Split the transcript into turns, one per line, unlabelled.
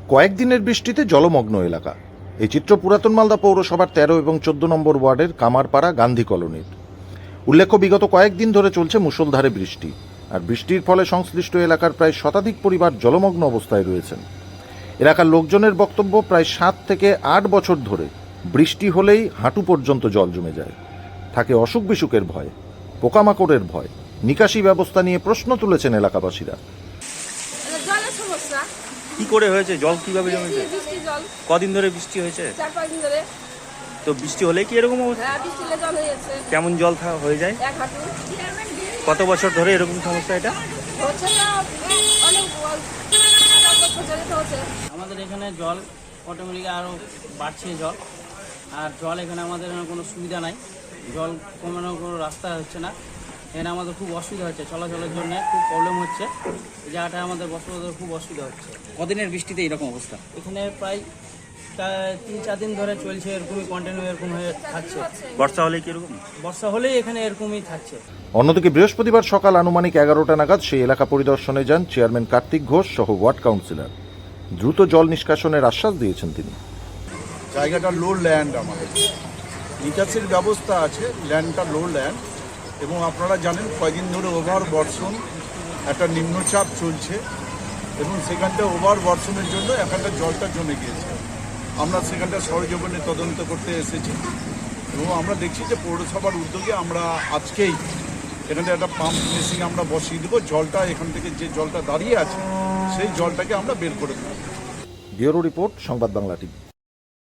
কয়েকদিনের বৃষ্টিতে জলমগ্ন এলাকা। এই চিত্র পুরাতন মালদা পৌরসভার ১৩ এবং ১৪ নম্বর ওয়ার্ডের কামারপাড়া গান্ধী কলোনির। উল্লেখ্য, বিগত কয়েকদিন ধরে চলছে মুষলধারে বৃষ্টি, আর বৃষ্টির ফলে সংশ্লিষ্ট এলাকার প্রায় শতাধিক পরিবার জলমগ্ন অবস্থায় রয়েছেন। এলাকার লোকজনের বক্তব্য, প্রায় ৭ থেকে ৮ বছর ধরে বৃষ্টি হলেই হাঁটু পর্যন্ত জল জমে যায়। থাকে অসুখ বিসুখের ভয়, পোকামাকড়ের ভয়। নিকাশি ব্যবস্থা নিয়ে প্রশ্ন তুলেছেন এলাকাবাসীরা।
জলের সমস্যা।
কি করে হয়েছে? জল কিভাবে জমেছে?
বৃষ্টি জল
কদিন ধরে বৃষ্টি হয়েছে?
4-5 দিন ধরে।
তো বৃষ্টি হলে কি এরকম অবস্থা?
হ্যাঁ, বৃষ্টিতে জল হয়েছে
কেমন জল হয়ে যায়?
এক হাঁটু।
কত বছর ধরে এরকম সমস্যা এটা?
হচ্ছে না, অনেক বছর ধরে তো হচ্ছে।
আমাদের এখানে জল অটোমেটিক আরও বাড়ছে জল, আর জল এখানে আমাদের এখানে কোনো সুবিধা নাই, জল কমানোর কোনো রাস্তা হচ্ছে না। এখানে আমাদের খুব অসুবিধা হচ্ছে, চলাচলের জন্য খুব প্রবলেম হচ্ছে। এই জায়গাটায় আমাদের বসবাসের খুব অসুবিধা হচ্ছে।
কদিনের বৃষ্টিতে এরকম অবস্থা?
এখানে প্রায় 3-4 দিন ধরে চলছে, এরকমই কন্টিনিউ এরকম হয়ে থাকছে।
বর্ষা হলে কি এরকম?
বর্ষা হলেই এখানে এরকমই থাকছে।
অন্যদিকে বৃহস্পতিবার সকাল আনুমানিক 11টা নাগাদ সেই এলাকা পরিদর্শনে যান চেয়ারম্যান কার্তিক ঘোষ সহ ওয়ার্ড কাউন্সিলর। দ্রুত জল নিষ্কাশনের আশ্বাস দিয়েছেন তিনি।
জায়গাটা লো ল্যান্ড, আমাদের নিকাশির ব্যবস্থা আছে, ল্যান্ডটা লো ল্যান্ড, এবং আপনারা জানেন কয়েকদিন ধরে ওভার বর্ষণ, একটা নিম্নচাপ চলছে, এবং সেখানটা ওভার বর্ষণের জন্য এখানটা জলটা জমে গিয়েছে। আমরা সেখানটা সরজমিনে তদন্ত করতে এসেছি, এবং আমরা দেখছি যে পৌরসভার উদ্যোগে আমরা আজকেই এখানে একটা পাম্প মেশিন আমরা বসিয়ে দেবো। জলটা এখান থেকে যে জলটা দাঁড়িয়ে আছে সেই জলটাকে আমরা বের করে দেবো।
ব্যুরো রিপোর্ট, সংবাদ বাংলা টিভি।